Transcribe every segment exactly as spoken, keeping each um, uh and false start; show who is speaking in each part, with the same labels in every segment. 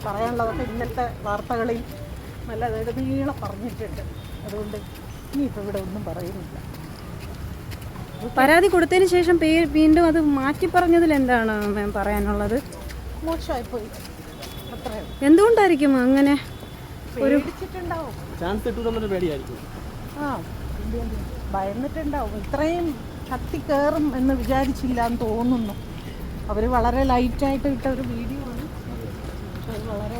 Speaker 1: പറയാനുള്ളതൊക്കെ ഇന്നത്തെ വാർത്തകളിൽ നല്ല നെടുനീളം പറഞ്ഞിട്ടുണ്ട്. അതുകൊണ്ട് ഇനിയിപ്പോൾ ഇവിടെ ഒന്നും പറയുന്നില്ല.
Speaker 2: പരാതി കൊടുത്തതിന് ശേഷം പേര് വീണ്ടും അത് മാറ്റി പറഞ്ഞതിൽ എന്താണ് മാം പറയാനുള്ളത്?
Speaker 1: മോശമായിപ്പോയി, അത്രയും.
Speaker 2: എന്തുകൊണ്ടായിരിക്കും അങ്ങനെ? ഒരു
Speaker 1: പേടിച്ചിട്ടുണ്ടാവും,
Speaker 3: ചാൻസ് കിട്ടുമെന്നൊരു പേടിയായിരിക്കും.
Speaker 1: ആ ഭയന്നിട്ടുണ്ടാവും. ഇത്രയും കത്തി കയറും എന്ന് വിചാരിച്ചില്ല എന്ന് തോന്നുന്നു. അവർ വളരെ ലൈറ്റായിട്ട് ഇട്ട ഒരു വീഡിയോ ആണ്. പക്ഷെ അത് വളരെ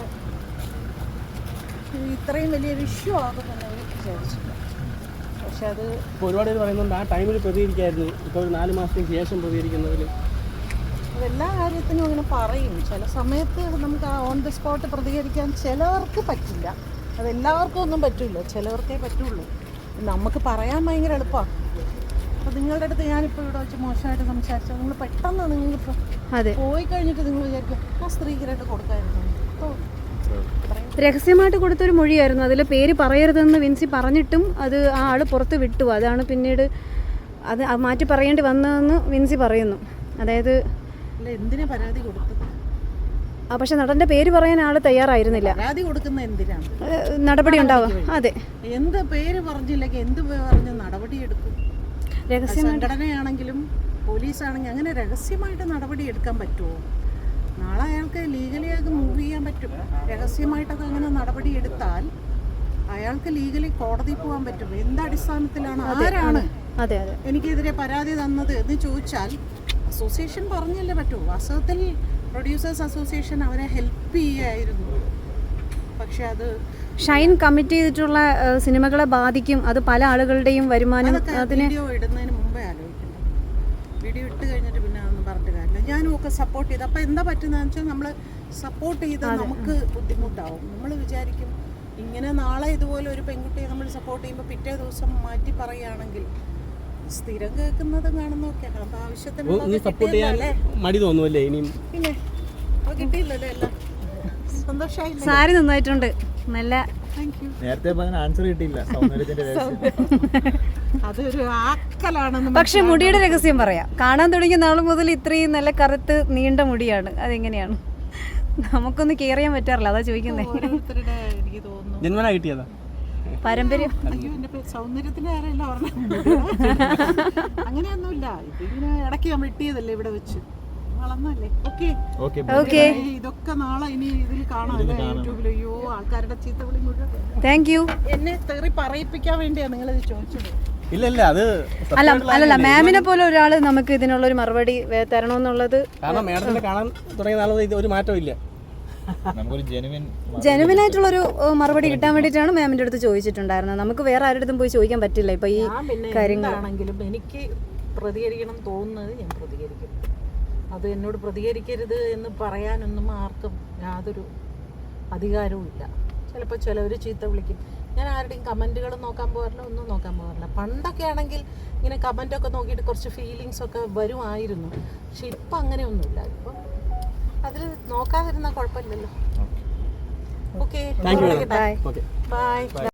Speaker 1: ഇത്രയും വലിയൊരു ഇഷ്യൂ ആകുമെന്ന് അവർ വിചാരിച്ചില്ല. പക്ഷെ അത്
Speaker 3: ഇപ്പോൾ ഒരുപാട് പേര് പറയുന്നുണ്ട് ആ ടൈമിൽ പ്രതികരിക്കായിരുന്നു, ഇപ്പോൾ ഒരു നാല് മാസത്തിന് ശേഷം പ്രതികരിക്കുന്നതിൽ.
Speaker 1: അതെല്ലാ കാര്യത്തിനും അങ്ങനെ പറയും. ചില സമയത്ത് നമുക്ക് ആ ഓൺ ദി സ്പോട്ട് പ്രതികരിക്കാൻ ചിലവർക്ക് പറ്റില്ല. അതെല്ലാവർക്കും ഒന്നും പറ്റില്ല, ചിലവർക്കേ പറ്റുള്ളൂ. നമുക്ക് പറയാൻ ഭയങ്കര എളുപ്പമാണ്. അപ്പോൾ നിങ്ങളുടെ അടുത്ത് ഞാനിപ്പോൾ ഇവിടെ വെച്ച് മോശമായിട്ട് സംസാരിച്ചാൽ നിങ്ങൾ പെട്ടെന്ന് നിങ്ങളിപ്പോൾ പോയി കഴിഞ്ഞിട്ട് നിങ്ങൾ വിചാരിക്കും ആ സ്ത്രീകരായിട്ട് കൊടുക്കായിരുന്നു. അപ്പോൾ
Speaker 2: രഹസ്യമായിട്ട് കൊടുത്തൊരു മൊഴിയായിരുന്നു. അതിൽ പേര് പറയരുതെന്ന് വിൻസി പറഞ്ഞിട്ടും അത് ആ ആൾ പുറത്ത് വിട്ടു. അതാണ് പിന്നീട് അത് മാറ്റി പറയേണ്ടി വന്നതെന്ന് വിൻസി പറയുന്നു. അതായത്
Speaker 1: അല്ല, എന്തിനാ പരാതി കൊടുത്തത്?
Speaker 2: ആ പക്ഷെ നടൻ്റെ പേര് പറയാൻ ആൾ തയ്യാറായിരുന്നില്ല.
Speaker 1: പരാതി കൊടുക്കുന്ന എന്തിനാണ്?
Speaker 2: നടപടി ഉണ്ടാവും. അതെ,
Speaker 1: എന്ത് പേര് പറഞ്ഞില്ലെങ്കിൽ എന്ത് പറഞ്ഞ് നടപടി എടുക്കും? രഹസ്യ സംഘടനയാണെങ്കിലും പോലീസാണെങ്കിലും അങ്ങനെ രഹസ്യമായിട്ട് നടപടി എടുക്കാൻ പറ്റുമോ? നാളെ അയാൾക്ക് ലീഗലി അത് മൂവ് ചെയ്യാൻ പറ്റും. രഹസ്യമായിട്ടൊക്കെ അങ്ങനെ നടപടി എടുത്താൽ അയാൾക്ക് ലീഗലി കോടതി പോകാൻ പറ്റും. എന്ത് അടിസ്ഥാനത്തിലാണ്, ആരാണ്
Speaker 2: അതെ അതെ
Speaker 1: എനിക്കെതിരെ പരാതി തന്നത് എന്ന് ചോദിച്ചാൽ അസോസിയേഷൻ പറഞ്ഞല്ലേ പറ്റൂ. വാസ്തവത്തിൽ പ്രൊഡ്യൂസേഴ്സ് അസോസിയേഷൻ അവരെ ഹെൽപ്പ് ചെയ്യായിരുന്നു. പക്ഷെ അത്
Speaker 2: ഷൈൻ കമ്മിറ്റ് ചെയ്തിട്ടുള്ള സിനിമകളെ ബാധിക്കും. അത് പല ആളുകളുടെയും വരുമാനം. അതിന്
Speaker 1: വീഡിയോ ഇടുന്നതിന് മുമ്പേ ആലോചിക്കണം. വീഡിയോ ഇട്ട് കഴിഞ്ഞിട്ട് പിന്നെ അതൊന്നും പറഞ്ഞിട്ട് കാര്യമില്ല. ഞാനും ഒക്കെ സപ്പോർട്ട് ചെയ്ത് അപ്പോൾ എന്താ പറ്റുന്നതെന്ന് വെച്ചാൽ നമ്മൾ സപ്പോർട്ട് ചെയ്ത് നമുക്ക് ബുദ്ധിമുട്ടാവും. നമ്മൾ വിചാരിക്കും ഇങ്ങനെ നാളെ ഇതുപോലെ ഒരു പെൺകുട്ടിയെ നമ്മൾ സപ്പോർട്ട് ചെയ്യുമ്പോൾ പിറ്റേ ദിവസം മാറ്റി പറയുകയാണെങ്കിൽ സ്ഥിരം കേൾക്കുന്നത് കാണുന്നൊക്കെ അപ്പോൾ ആവശ്യത്തിന്
Speaker 3: മടി തോന്നുമല്ലേ ഇനിയും?
Speaker 1: പിന്നെ അപ്പോൾ കിട്ടിയില്ലല്ലോ എല്ലാം. സന്തോഷമായില്ലേ?
Speaker 2: സാരി നന്നായിട്ടുണ്ട്, നല്ല.
Speaker 4: നേരത്തെ ആൻസർ കിട്ടിയില്ല.
Speaker 1: അതൊരു ആക്കലാണെന്ന്.
Speaker 2: പക്ഷെ മുടിയുടെ രഹസ്യം പറയാം. കാണാൻ തുടങ്ങിയ നാൾ മുതൽ ഇത്രയും നല്ല കറുത്ത് നീണ്ട മുടിയാണ്. അതെങ്ങനെയാണ്? നമുക്കൊന്ന് കെയർ ചെയ്യാൻ പറ്റാറില്ല, അതാ ചോദിക്കുന്നത്.
Speaker 1: ഓരോരുത്തരുടെ എനിക്ക് തോന്നുന്നു
Speaker 3: ജന്മനാ കിട്ടിയതാ
Speaker 2: പാരമ്പര്യം.
Speaker 1: അയ്യോ എന്റെ സൗന്ദര്യത്തിന്റെ കാര്യമല്ല പറഞ്ഞത്. അങ്ങനെയൊന്നുമില്ല. ഇതിങ്ങനെ ഇടയ്ക്ക് ഞാൻ വെട്ടിയതല്ലേ ഇവിടെ വെച്ച്, വളർന്നല്ലേ. ഓക്കെ
Speaker 2: ഓക്കെ,
Speaker 1: ഇതൊക്കെ നാളെ ഇനി ഇതിൽ കാണാം യൂട്യൂബിൽ. അയ്യോ ആൾക്കാരുടെ ചീത്ത വിളി മുഴുവൻ.
Speaker 2: Thank you.
Speaker 1: എന്നെ തെറി പറയിപ്പിക്കാൻ വേണ്ടിയാണ് നിങ്ങളിത് ചോദിച്ചത്.
Speaker 3: ഇല്ല ഇല്ല അത്
Speaker 2: അല്ല അല്ലല്ല മാമിനെ പോലെ ഒരാൾ നമുക്ക് ഇതിനുള്ള ഒരു മറുപടി തരണമെന്നുള്ളത്.
Speaker 3: കാരണം മേഡത്തിനെ കാണാൻ തുടങ്ങിയ നാളെ ഇത് ഒരു മാറ്റവും ഇല്ല.
Speaker 2: ജെനുവിൻ ആയിട്ടുള്ളൊരു മറുപടി കിട്ടാൻ വേണ്ടിയിട്ടാണ് മാമിൻ്റെ അടുത്ത് ചോദിച്ചിട്ടുണ്ടായിരുന്നത്. നമുക്ക് വേറെ ആരുടെ അടുത്തും പോയി ചോദിക്കാൻ പറ്റില്ല ഇപ്പൊ ഈ
Speaker 1: കാര്യങ്ങളാണെങ്കിലും. എനിക്ക് പ്രതികരിക്കണം തോന്നുന്നത് ഞാൻ പ്രതികരിക്കും. അത് എന്നോട് പ്രതികരിക്കരുത് എന്ന് പറയാനൊന്നും ആർക്കും യാതൊരു അധികാരവും ഇല്ല. ചിലപ്പോൾ ചിലവർ ചീത്ത വിളിക്കും. ഞാൻ ആരുടെയും കമൻറ്റുകൾ നോക്കാൻ പോകാറില്ല, ഒന്നും നോക്കാൻ പോകാറില്ല. പണ്ടൊക്കെ ആണെങ്കിൽ ഇങ്ങനെ കമൻറ്റൊക്കെ നോക്കിയിട്ട് കുറച്ച് ഫീലിങ്സൊക്കെ വരുമായിരുന്നു. പക്ഷെ ഇപ്പം അങ്ങനെയൊന്നുമില്ല. ഇപ്പം അതിൽ നോക്കാതിരുന്നാൽ കുഴപ്പമില്ലല്ലോ. Okay, by.